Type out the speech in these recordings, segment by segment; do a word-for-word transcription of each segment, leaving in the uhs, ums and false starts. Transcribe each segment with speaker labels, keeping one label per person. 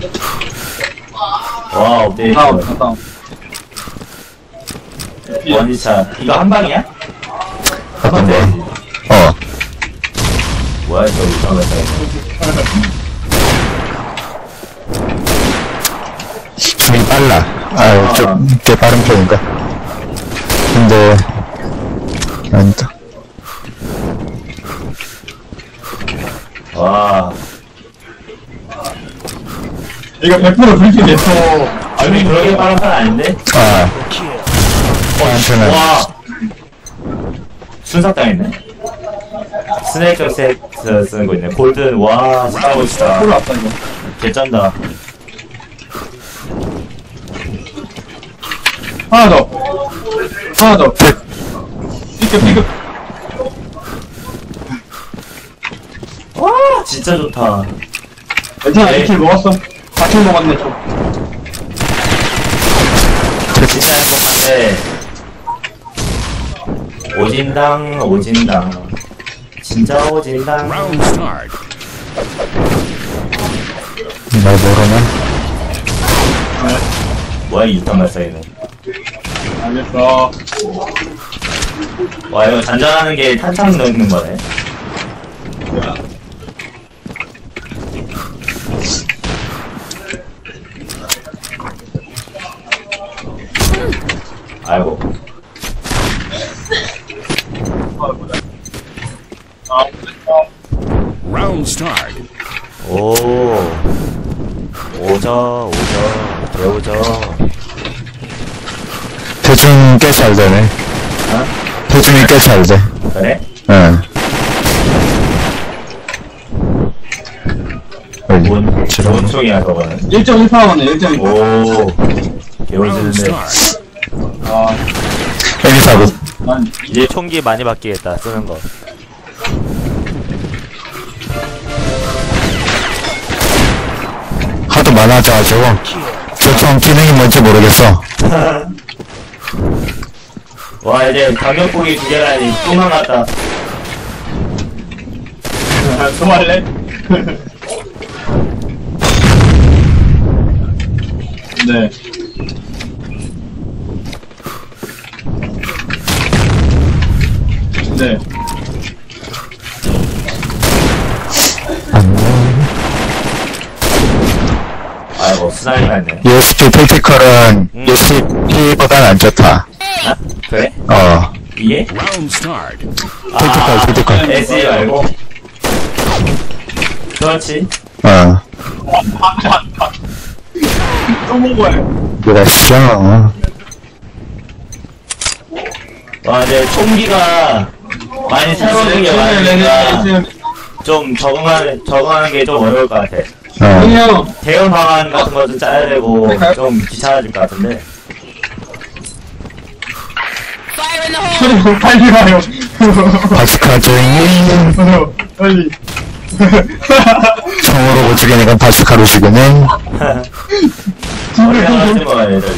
Speaker 1: 와, 업데이트.
Speaker 2: 다운, 다운.
Speaker 1: 원이차. 이거 한 방이야?
Speaker 3: 어떤 거? 어.
Speaker 1: 뭐야, 저 이상하다.
Speaker 3: 줌이 빨라. 아, 좀, 꽤 빠른 편인가? 근데, 아니다.
Speaker 1: 와.
Speaker 2: 이거 백 퍼센트 불길 냈어.
Speaker 1: 아니, 그렇게 빠른 편 아닌데?
Speaker 3: 아. 한편은,
Speaker 1: 와. 순삭당했네. 스네이크 세트 쓰는 거 있네. 골든, 와, 진짜 멋있다.
Speaker 2: 콜 왔다, 이거.
Speaker 1: 개쩐다.
Speaker 2: 하나 더. 하나 더. 삐끗, 삐끗.
Speaker 1: 와, 진짜 좋다.
Speaker 2: 괜찮아,
Speaker 1: 네.
Speaker 2: 이 킬 먹었어. 사 킬 먹었네, 좀.
Speaker 1: 진짜 행복한데. 오진당, 오진당. 진짜 오진당.
Speaker 4: Round start.
Speaker 3: 날 모르면,
Speaker 1: 뭐야, 이 유탄 발사기는.
Speaker 2: 알겠어.
Speaker 1: 와, 이거 잔잔하는 게 탄창 넣는 거네. 아이고.
Speaker 4: Round start.
Speaker 1: 오. 오저, 오저, 개오저.
Speaker 3: 대중 꽤 잘 되네.
Speaker 1: 어?
Speaker 3: 대중이 꽤 잘 돼.
Speaker 1: 그래?
Speaker 3: 응. 여기,
Speaker 1: 뭔,
Speaker 3: 지금.
Speaker 1: 뭔 총이야, 저거는.
Speaker 2: 일 점 일 파워네, 일 점 일 파워.
Speaker 1: 오.
Speaker 4: Round
Speaker 1: 개오지는데.
Speaker 4: start.
Speaker 2: 아,
Speaker 3: 여기 사고.
Speaker 2: 난,
Speaker 5: 이제 총기 많이 바뀌겠다 쓰는 거.
Speaker 3: 하도 많아져가지고, 저총 기능이 뭔지 모르겠어.
Speaker 1: 와, 이제 강력폭이 두 개라니, 또 남았다.
Speaker 2: 또 할래? 네. 네.
Speaker 1: 아이고, 스나이가 있네.
Speaker 3: 유에스피 택티컬은 유에스피보단 안 좋다.
Speaker 1: 아? 그래?
Speaker 3: 어,
Speaker 1: 이게?
Speaker 4: Round start.
Speaker 3: 택티컬, 택티컬.
Speaker 1: 에스이 말고. 그렇지.
Speaker 3: 어,
Speaker 2: 또 먹어야 해.
Speaker 3: 뭐가 싫어.
Speaker 1: 와, 이제 총기가 많이 새로운 게 많으니까 좀 적응하는, 적응하는 게 좀 어려울 것 같아.
Speaker 3: 어,
Speaker 2: 형이요.
Speaker 1: 대형 방안 같은 거 좀 짜야 되고 좀 귀찮아질 것 같은데.
Speaker 2: 형님, 빨리 가요.
Speaker 3: 바스카 조잉이
Speaker 2: 빨리.
Speaker 3: 총으로 못 죽이니까 바스카로 죽이네.
Speaker 1: 머리가 하지 마, 얘들.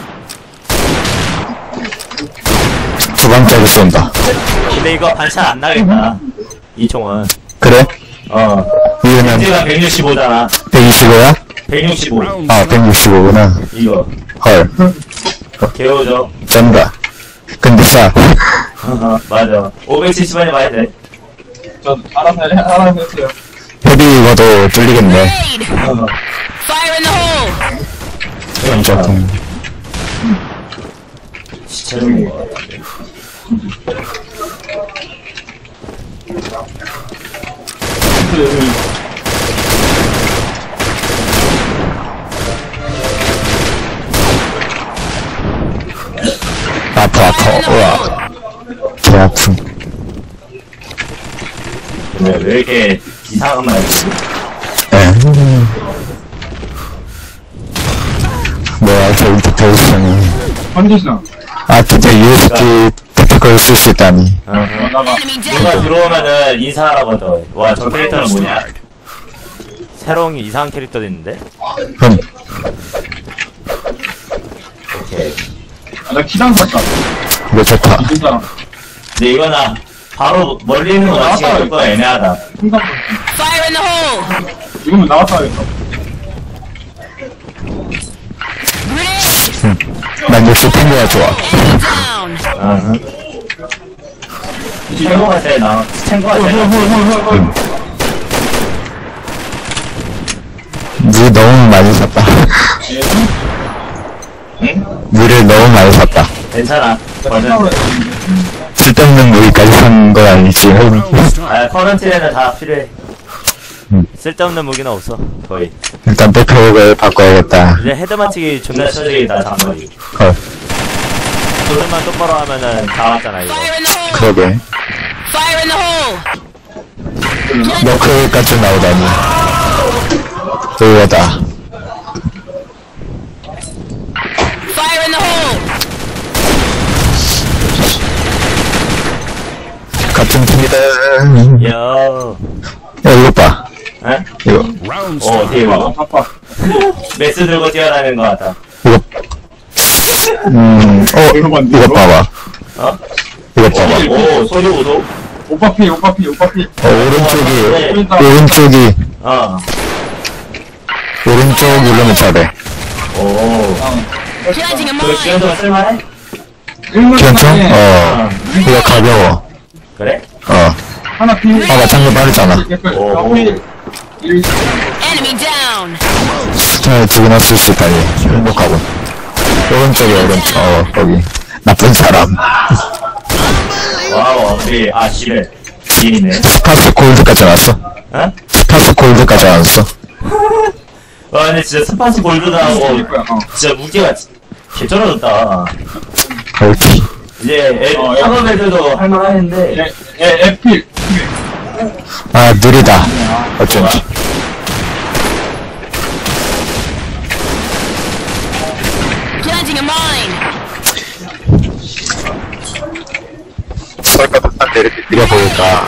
Speaker 3: 두 방짜리 쏜다.
Speaker 5: 근데 이거 반샷 안 나겠다.
Speaker 1: 이 총은.
Speaker 3: 그래?
Speaker 1: 어.
Speaker 3: 이거는
Speaker 1: 벤지가 백육십오잖아.
Speaker 3: 백이십오야?
Speaker 1: 백육십오.
Speaker 4: Round
Speaker 3: 아, 백육십오구나.
Speaker 1: 이거.
Speaker 3: 헐,
Speaker 1: 개오죠.
Speaker 3: 쩐다. 근데 싸.
Speaker 1: 맞아. 오백칠십 원이 많이 돼.
Speaker 2: 저, 알아서, 해, 알아서 했어요.
Speaker 3: 헤비 이거도 뚫리겠네.
Speaker 1: 어.
Speaker 6: Fire in the hole!
Speaker 3: 연자통.
Speaker 1: 시체는 거 같아.
Speaker 3: 아파, 아파. 우와. 개 아픔.
Speaker 1: 근데 왜 이렇게 이상한 말 했지?
Speaker 3: 에. 뭐야, 저 인터페이스는.
Speaker 2: 컨디션.
Speaker 3: 아, 진짜 유에스피 택티컬 쓸 수 있다니.
Speaker 1: 어.
Speaker 2: 나가.
Speaker 6: Enemy down!
Speaker 1: 누가 들어오면은 인사하라거든. 와, 저 캐릭터는 뭐냐?
Speaker 5: 새로운 이상한 캐릭터도 있는데.
Speaker 3: 흠.
Speaker 1: 오케이.
Speaker 2: 아, 나 키당 샀다.
Speaker 3: 이거 좋다.
Speaker 2: 진짜.
Speaker 1: 근데 이거나 바로 멀리 있는 거 맞추기가 조금 애매하다.
Speaker 2: 풍상
Speaker 6: Fire in the hole!
Speaker 2: 이거면 나왔다 하겠다.
Speaker 3: 탱고가 좋아.
Speaker 6: Enemy down.
Speaker 1: 아, 탱고가 제일 나. 탱고가 제일 나.
Speaker 2: 헐헐헐헐헐.
Speaker 3: 물 너무 많이 샀다.
Speaker 1: 응?
Speaker 3: 물을 너무 많이 샀다.
Speaker 1: 괜찮아. 저는
Speaker 3: 쓸데없는 무기까지 산 건 아니지.
Speaker 4: Round start.
Speaker 1: 아 커런티에는 다 필요해.
Speaker 5: 쓸데없는 무기는 없어 거의.
Speaker 3: 일단 백팩을 바꿔야겠다.
Speaker 5: 이제 헤드 맞추기 존나
Speaker 1: 존나
Speaker 5: 쳐.
Speaker 1: 쳐지기다 장거리.
Speaker 3: 헐,
Speaker 5: 조준만 똑바로 하면은 다 왔잖아 이거.
Speaker 6: Fire in the hole.
Speaker 3: 그러게.
Speaker 6: Fire in the hole.
Speaker 3: 너클까지 나오다니. 의외다.
Speaker 6: Fire in the hole.
Speaker 3: 같은 팀이다.
Speaker 5: 여.
Speaker 3: 야, 이거 봐.
Speaker 1: 에?
Speaker 3: 이거,
Speaker 4: Round
Speaker 1: 어,
Speaker 4: start.
Speaker 1: 어떻게
Speaker 2: 아,
Speaker 1: 이거?
Speaker 2: 바빠.
Speaker 1: 메스 들고 뛰어다니는 것 같다.
Speaker 3: 이거. 음, 어, 이거 봐봐.
Speaker 1: 어?
Speaker 3: 이거 봐봐.
Speaker 1: 오, 소리 오도?
Speaker 2: 오빠 피, 오빠 피, 오빠 피.
Speaker 3: 어, 오른쪽이,
Speaker 2: 보인다.
Speaker 3: 오른쪽이,
Speaker 1: 어.
Speaker 3: 오른쪽 누르면 잘해.
Speaker 1: 오.
Speaker 6: Planting a
Speaker 1: 그거
Speaker 6: mine.
Speaker 1: 지금도 쓸만해?
Speaker 2: 일문
Speaker 3: 괜찮?
Speaker 2: 하나에
Speaker 3: 어, 이거 가벼워.
Speaker 1: 그래?
Speaker 3: 어.
Speaker 2: 하나 피.
Speaker 3: 봐봐, 장면 빠르잖아.
Speaker 2: 댓글.
Speaker 1: 오.
Speaker 2: 아, 우리 일.
Speaker 6: Enemy down.
Speaker 3: 스타일 두 개나 쓸 수 있다니. 행복하고. 오른쪽에, 오른쪽, 어, 거기. 나쁜 사람.
Speaker 1: 와우, 우리, 아, 씨를. 이네.
Speaker 3: 스파스 골드까지 나왔어.
Speaker 1: 어?
Speaker 3: 스파스 골드까지 나왔어.
Speaker 1: 와, 근데 진짜 스파스 골드도 하고,
Speaker 2: 일 거야. 어.
Speaker 1: 진짜 무게가 개쩔어졌다.
Speaker 3: 옳지.
Speaker 1: 이제, 애,
Speaker 2: 어, 야.
Speaker 1: 학업 애들도 할만하는데,
Speaker 2: 에, 에, 에필.
Speaker 3: 아, 느리다. 어쩐지.
Speaker 6: Planting a mine.
Speaker 3: 설까도 딱 이렇게 느려 보일까.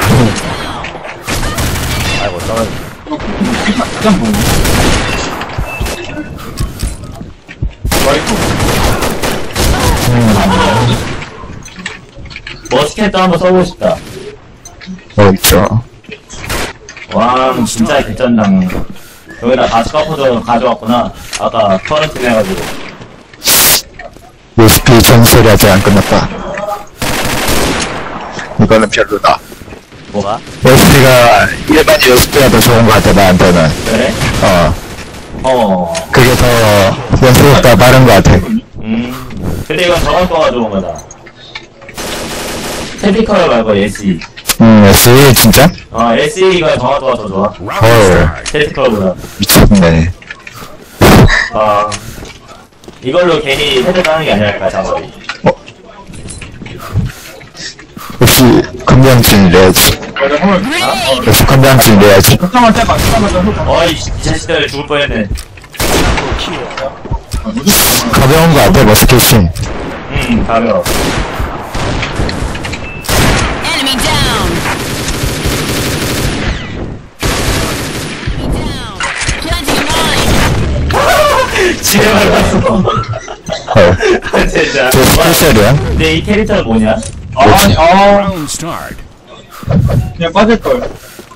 Speaker 5: 아이고 떨어져.
Speaker 2: 가장 뭐.
Speaker 1: 머스켓도 한번 써보고 싶다.
Speaker 3: 어, 있죠.
Speaker 1: 와, 진짜 개쩐당. 여기다 바스카포도 가져왔구나. 아까 커런틴 해가지고.
Speaker 3: 요스피 전설이 아직 안 끝났다. 이거는 별로다.
Speaker 5: 뭐가?
Speaker 3: 요스피가, 일반 요스피가 더 좋은 것 같아, 나한테는.
Speaker 1: 그래?
Speaker 3: 어.
Speaker 1: 어.
Speaker 3: 그게 더 연습보다 빠른 것 같아.
Speaker 1: 음. 근데 이건 저번 거가 좋은 거다. 테피컬 말고 에스이.
Speaker 3: 음, 에스이 진짜?
Speaker 1: 어, 에스이가 정확도가 더 좋아.
Speaker 4: Round
Speaker 3: 헐.
Speaker 4: start.
Speaker 1: 테피컬보다.
Speaker 3: 미쳤네.
Speaker 1: 아. 이걸로 괜히 헤드 따는 게 아니랄까, 장거리.
Speaker 3: 역시, 건강증 이래야지.
Speaker 2: 맞아, 헐.
Speaker 6: Grenade.
Speaker 3: 역시 건강증 이래야지.
Speaker 2: 걷자마자 떼봐, 걷자마자 hold.
Speaker 1: 어이, 이 자식들 죽을 뻔했네.
Speaker 2: 아, 무조건.
Speaker 3: 가벼운 것 같아, 머스켓이.
Speaker 1: 음, 가벼워.
Speaker 6: Enemy down. Enemy down. Planting a mine.
Speaker 1: 지뢰 밟았어.
Speaker 3: 헐.
Speaker 1: 진짜.
Speaker 3: 저 스페셜이야?
Speaker 1: 근데 이 캐릭터는 뭐냐?
Speaker 2: 아, 아니, 아,
Speaker 4: Round start.
Speaker 2: 그냥 빠질걸.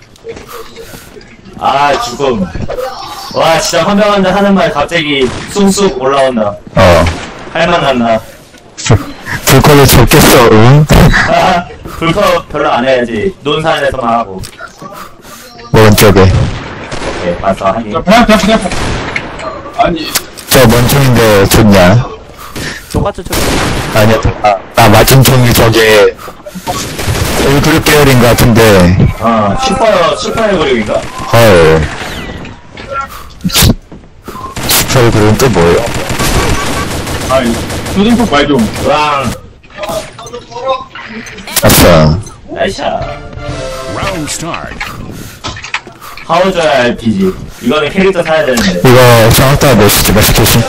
Speaker 1: 아, 죽음. 와, 진짜 헌병한다 하는 말 갑자기 쑥쑥 올라온다.
Speaker 3: 어.
Speaker 1: 할만 난다.
Speaker 3: 불컬이 좋겠어, 응?
Speaker 1: 아, 불컵 별로 안 해야지. 논산에서만 하고.
Speaker 3: 오른쪽에.
Speaker 1: 오케이, 봤어, 하긴.
Speaker 2: 자, 배야, 배야, 배야. 아니,
Speaker 3: 저 먼총인데 좋냐?
Speaker 5: 똑같은 쪽.
Speaker 3: 아니야, 아, 나 맞은 총이 저게 얼그룹 계열인 것 같은데.
Speaker 1: 어, 슈퍼, 슈퍼의 그룹인가?
Speaker 3: 헐. 슈퍼 얼그룹은 또 뭐예요?
Speaker 2: 아니, 조진폭 말 좀.
Speaker 1: 으앙,
Speaker 3: 아싸.
Speaker 1: 나이샤.
Speaker 4: Round start.
Speaker 1: 하우저야 알피지. 이거는 캐릭터 사야 되는데.
Speaker 3: 이거 정확도가 몇이지, 머스켓이?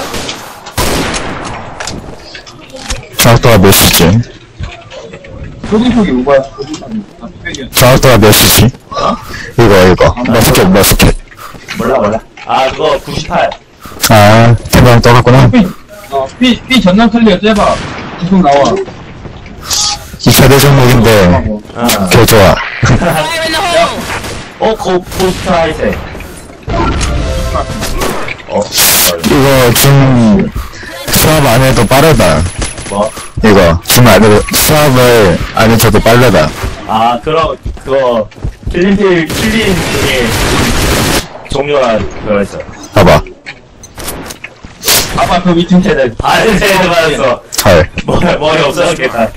Speaker 3: 정확도가 몇이지?
Speaker 2: 조진폭이 오바야. 조진폭이. 아, 뚝배기야.
Speaker 3: 정확도가 몇이지? 이거, 이거. 머스켓, 머스켓.
Speaker 1: 몰라, 몰라. 아, 그거 구십팔.
Speaker 3: 아, 대박 떠갔구나.
Speaker 2: 삐, 어, 삐, 삐 전남 클리어 째봐. 계속 나와.
Speaker 3: 이 차 대 종목인데,
Speaker 1: 어.
Speaker 3: 개 좋아.
Speaker 6: Fire in the hole.
Speaker 1: 어, 고, 고스트 하이색. 어,
Speaker 3: 이거 지금 수업 안 해도 빠르다.
Speaker 1: 뭐?
Speaker 3: 이거 숨 안으로 수압을 안에 쳐도 빨라다.
Speaker 1: 아, 그럼, 그거, 킬린필, 킬린 중에 종류가 그거 있어.
Speaker 3: 봐봐.
Speaker 2: 봐봐, 그 밑에
Speaker 1: 쟤는 다른 쟤들 받았어.
Speaker 3: 헐.
Speaker 1: 머리, 머리 없어졌겠다.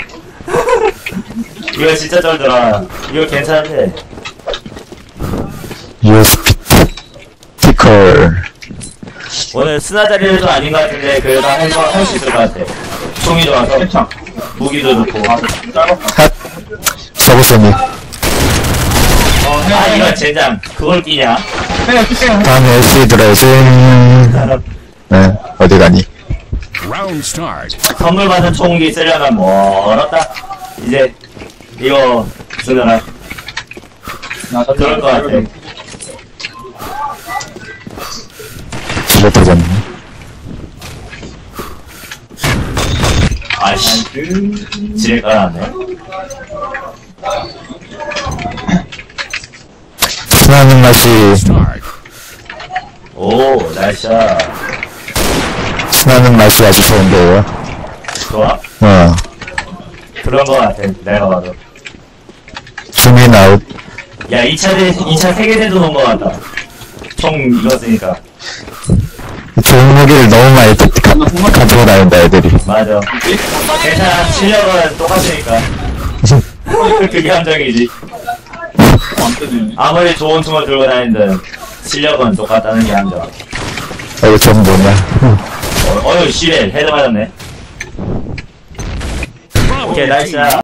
Speaker 1: 이거 진짜 쩔더라. 이거 괜찮은데.
Speaker 3: 유에스비 티컬.
Speaker 1: 오늘 스나 자리도 아닌 것 같은데, 그래도 할, 거- 할 수 있을 것 같아. 총이 좋아서,
Speaker 2: 괜찮.
Speaker 1: 무기도 좋고.
Speaker 3: 핫. 서브소닉.
Speaker 2: 어,
Speaker 1: 아,
Speaker 2: 해,
Speaker 1: 이거
Speaker 2: 해,
Speaker 1: 젠장. 그걸 끼냐?
Speaker 2: 해, 해, 해.
Speaker 3: 다음에 시드라이징. 네, 어디 가니?
Speaker 4: Round start.
Speaker 1: 선물 받은 총기 쓰려면 멀었다. 이제, 이거, 쓰느라.
Speaker 2: 나 저-
Speaker 1: 그럴 것 같아.
Speaker 3: 집에 터졌네.
Speaker 1: 아이씨. 지뢰 깔아놨네.
Speaker 3: 신나는 맛이,
Speaker 4: Start.
Speaker 1: 오, 날씨야.
Speaker 3: 신나는 맛이 아주 좋은데요.
Speaker 1: 좋아?
Speaker 3: 어,
Speaker 1: 그런 거 같아. 내가 봐도.
Speaker 3: 줌인 아웃.
Speaker 1: 야, 이 차 대, 이 차 세계대도 놓은 거 같다. 총 이거 쓰니까.
Speaker 3: 좋은 무기를 너무 많이 가, 가, 가지고 다닌다, 애들이.
Speaker 1: 맞아. 괜찮아. 실력은 똑같으니까. 그게 함정이지.
Speaker 2: 안 뜨네.
Speaker 1: 아무리 좋은 총을 들고 다니든 실력은 똑같다는 게 함정.
Speaker 3: 아, 이거 좀 뭐냐.
Speaker 1: 어, 어휴, 씨발. 헤드 맞았네. 오케이, 나이스야.